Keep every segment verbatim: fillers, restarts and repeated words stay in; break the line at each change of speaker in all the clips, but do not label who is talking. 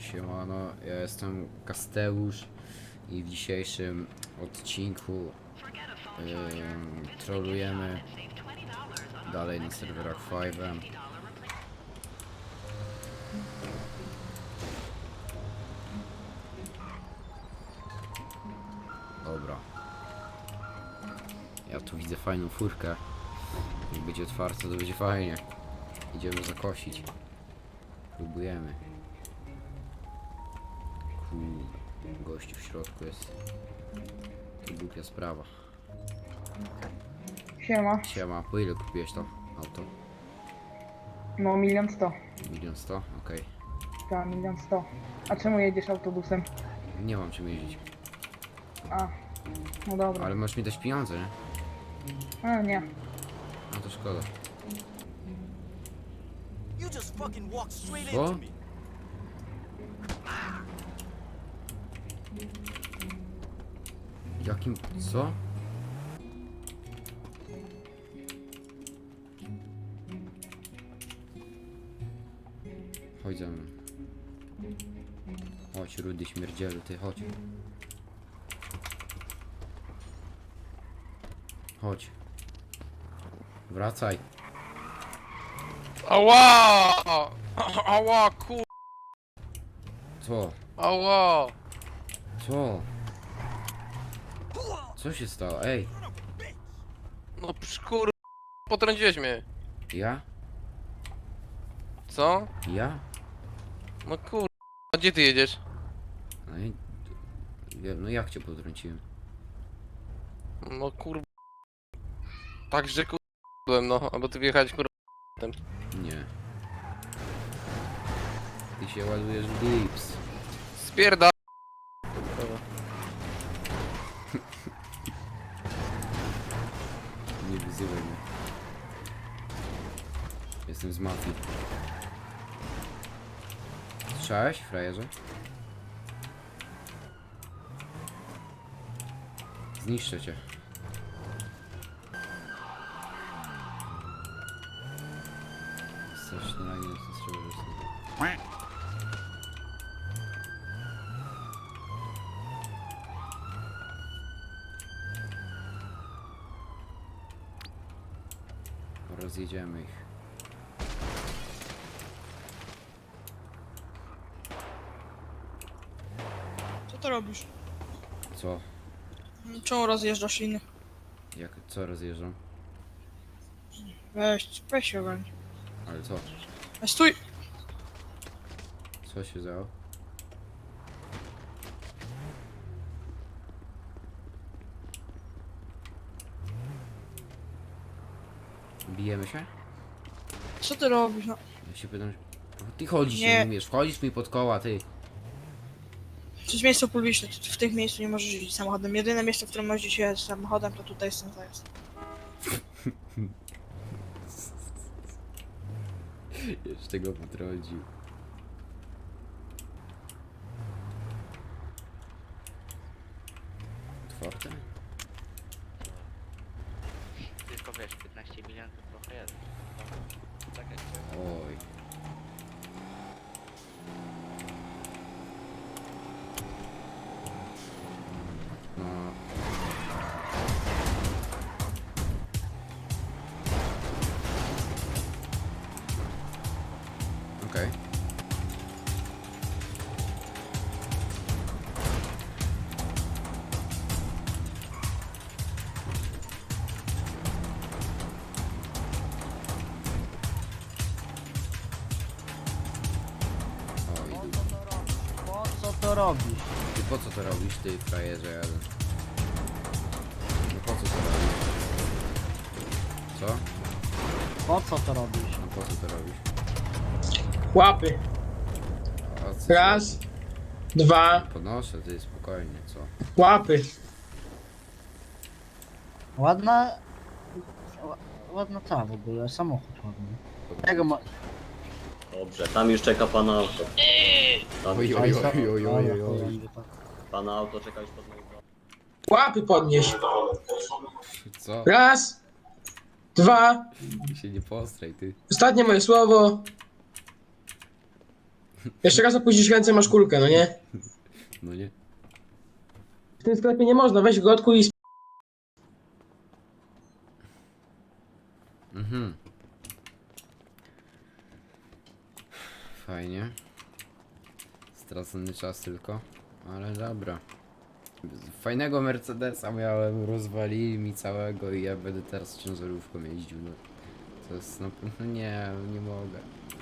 Siemano, ja jestem Kasteusz i w dzisiejszym odcinku yy, trolujemy dalej na serwerach Five'em. Dobra. Ja tu widzę fajną furkę. Jak będzie otwarta, to będzie fajnie. Idziemy zakosić. Próbujemy. Kurde, gościu w środku jest. To głupia sprawa.
Siema.
Siema, po ile kupiłeś to auto?
No milion sto.
Milion sto? Okej.
Tak, milion sto. A czemu jedziesz autobusem?
Nie mam czym jeździć.
A, no dobra.
Ale możesz mi dać pieniądze, nie?
A nie.
No to szkoda.
You just fucking walked straight
Co?
into me.
Jakim... co? Chodź za mną. Chodź, rudy śmierdzielu, ty chodź. Chodź. Wracaj.
Ała! Ała, kur...
Co?
Ała!
Co? Co się stało? Ej,
No psz, kur... Potrąciłeś mnie.
ja?
Co?
Ja?
No kur... A gdzie ty jedziesz?
No, i... ja, no jak cię potrąciłem?
No kur... Także kur... byłem, no, albo ty wjechałeś kur...
Nie. Ty się ładujesz w dips.
Spierda...
Nie wyzywaj mnie. Jestem z mafii. Słyszałeś, frajerze? Zniszczę cię. Strasznie na nie jest Rozjedziemy ich.
Co to robisz?
Co?
Czemu rozjeżdżasz innych?
Jak, co rozjeżdżam?
Weź, weź się ogarnij.
Ale co?
Ej, stój!
Co się działo? Bijemy się?
Co ty robisz? No,
Ja się pytam, ty chodzisz, nie
Nie.
umiesz, wchodzisz mi pod koła, ty.
to jest miejsce publiczne, ty w tych miejscu nie możesz jeździć samochodem. Jedyne miejsce, w którym możesz jeździć samochodem, to tutaj jest ten zajazd.
Jeszcze go potrącił. Otwarte?
Tylko wiesz, piętnaście milionów to trochę jest. Tak jak
Oj. No. Okej. O, idu.
Po co to robisz?
Ty po co to robisz, ty frajerze jeden? No po co to robisz? Co?
Po co to robisz?
No po co to robisz?
Łapy.
A co
Raz, dwa,
podnoszę, ty spokojnie, co?
łapy.
Ładna... ła- Ładna ta w ogóle, samochód ładny. Tego ma...
Dobrze, tam już czeka pana auto. Tam
Oj,
już
oj,
Oj,
oj, oj, oj, oj, oj.
oj, oj.
pana auto czeka już pod moim domem.
Łapy podnieś.
Co?
Raz, dwa.
Się nie postraj, ty.
Ostatnie moje słowo.
Jeszcze raz opuścisz ręce, masz kulkę, no nie?
No nie?
W tym sklepie nie można, weź go odkuj i sp...
Mhm. Fajnie. Stracony czas tylko, ale dobra. Fajnego Mercedesa miałem, rozwalili mi całego i ja będę teraz ciężarówką jeździł. No. To jest no, no nie, nie mogę.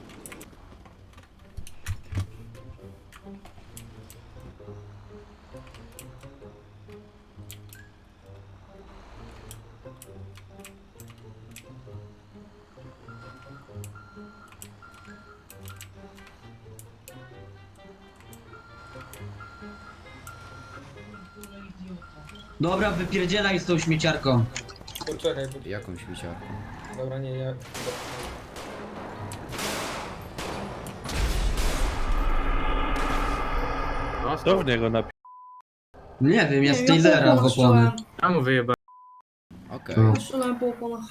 Dobra, wypierdzielaj z tą śmieciarką.
Poczekaj,
Jaką śmieciarką?
dobra, nie, ja...
To w niego napi...
Nie wiem, ja z
Nie,
Taylora
ja
w opony.
A mu wyjeba.
Okej.
No.
Strzelałem po oponach.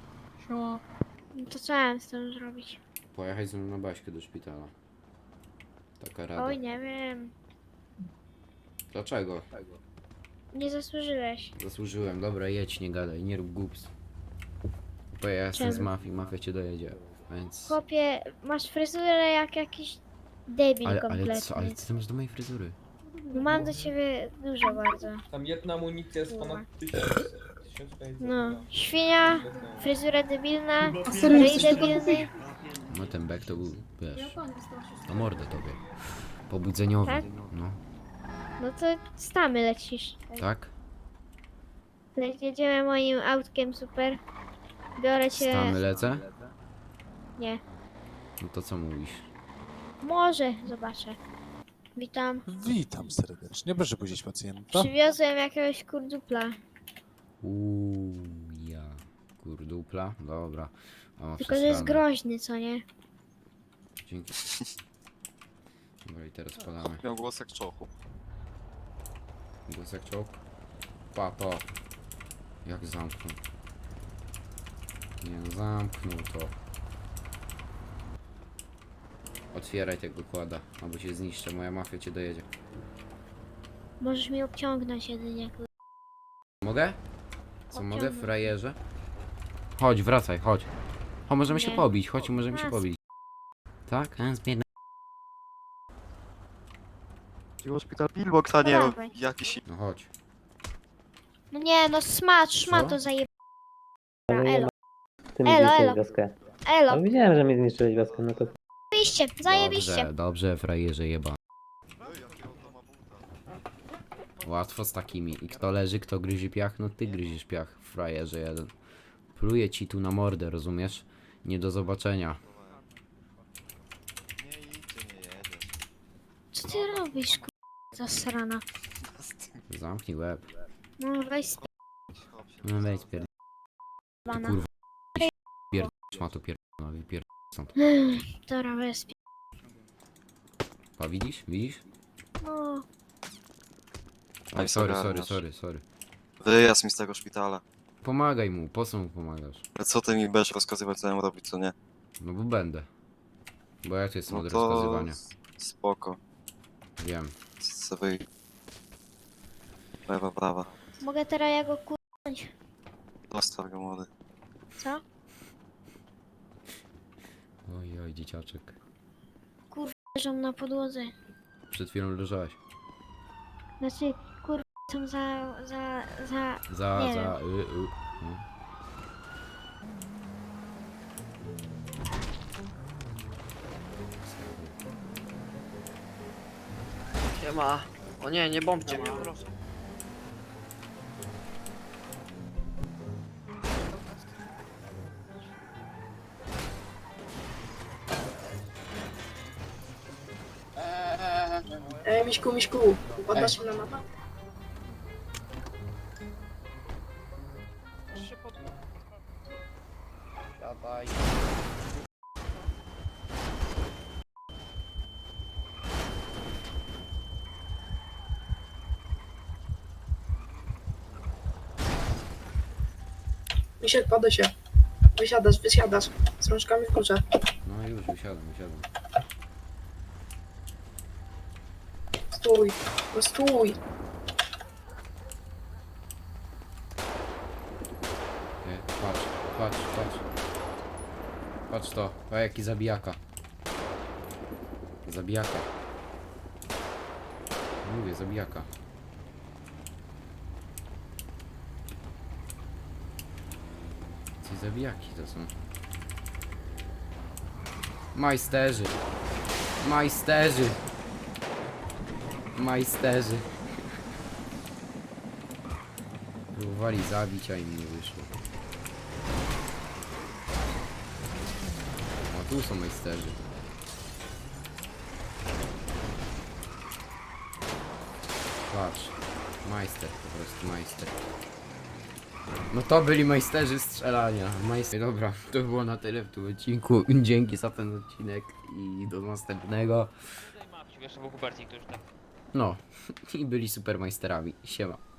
To co ja mam z tym zrobić?
Pojechać ze mną na Baśkę do szpitala. Taka rada.
Oj, nie wiem.
Dlaczego?
Nie zasłużyłeś.
Zasłużyłem, dobra, jedź, nie gadaj, nie rób głups. Bo ja jestem z
Czemu?
mafii, mafia cię dojedzie, więc...
Chłopie, masz fryzurę jak jakiś debil
Ale,
kompletny.
ale co, ale co ty masz do mojej fryzury?
Mam do ciebie dużo bardzo.
Tam jedna amunicja jest ponad tysiąc. tysiąc pięćset.
No, świnia, fryzura debilna,
A serio
ryj
jesteś
debilny.
No ten bek to był, wiesz, to mordę tobie. Pobudzeniowy,
Tak?
no.
No to stamy lecisz.
Tak?
Le- Jedziemy moim autkiem super. Biorę cię...
Stamy lecę?
Nie.
No to co mówisz?
Może, zobaczę. Witam.
Witam serdecznie, proszę puścić pacjenta.
Przywiozłem jakiegoś kurdupla.
Uuu, ja. Kurdupla? Dobra. O,
Tylko, że jest
przesrane.
groźny, co nie?
Dzięki. Dobra, i teraz podamy.
Miał głos jak czochu.
Głos jak czołg. Pa, pa. Jak zamknął. Nie no, zamknął to. Otwieraj tego kłada, albo cię zniszczę, moja mafia cię dojedzie.
Możesz mi obciągnąć jedynie. kur-
Mogę? Co mogę,
Obciągnę.
frajerze? Chodź, wracaj, chodź. O, możemy się
Nie.
pobić, chodź, możemy się
Wracaj.
pobić. Tak? A, zbiedna.
Szpital Pillbox, a
nie Dawaj.
jakiś...
No chodź.
No nie, no smacz, szma
Co?
to zaje...
Ale nie
Elo,
ma... Ty mi
Elo,
zniszczyłeś
elo.
wioskę.
elo,
No widziałem, że mi zniszczyłeś wioskę, no to...
zajebiście, zajebiście.
Dobrze, dobrze, frajerze jeba. Łatwo z takimi. I kto leży, kto gryzie piach? No ty gryziesz piach, frajerze jeden. Pluję ci tu na mordę, rozumiesz? Nie do zobaczenia.
Co ty robisz, kur... zasrana?
Zamknij łeb.
No weź
No wejdź pierd... Ty
spana.
kurwa. Pierd... ma to pierd... no pierd... stąd.
Dobra, weź sp...
A widzisz? Widzisz?
No,
Oj, sorry, sorry, sorry, sorry.
Wyjazd mi z tego szpitala.
Pomagaj mu, po co mu pomagasz?
Ale co ty mi będziesz rozkazywać, co ja mam robić, co nie?
No bo będę. Bo ja tu jestem
No
od
to...
rozkazywania.
Spoko.
Wiem.
Co wy... Lewa, prawa.
mogę teraz ja go kurwać.
Dostaw go, młody.
Co?
Oj, oj, dzieciaczek.
Leżą na podłodze.
Przed chwilą leżałeś.
Znaczy, kur... są za... za... za...
Za,
Nie
za, y, y. No.
Siema. O nie, nie bombcie mnie, proszę.
Ej, Miśku, Miśku, poddasz się na mapę?
Siadaj.
Misiek, podaj się. Wysiadasz, wysiadasz. Z rączkami w górze.
No już, wysiadam, wysiadam.
stój, no stój.
Nie, patrz, patrz, patrz. Patrz to, o jaki zabijaka. Zabijaka. Mówię, zabijaka. Ci zabijaki to są. Majsterzy. Majsterzy. Majsterzy. Próbowali zabić, a im nie wyszło. O, tu są majsterzy. Patrz. Majster, po prostu majster. No to byli majsterzy strzelania. Majster. Dobra, to było na tyle w tym odcinku. Dzięki za ten odcinek i do następnego.
Jeszcze był Hubercik, to już tak.
No, i byli super majsterami. Siema.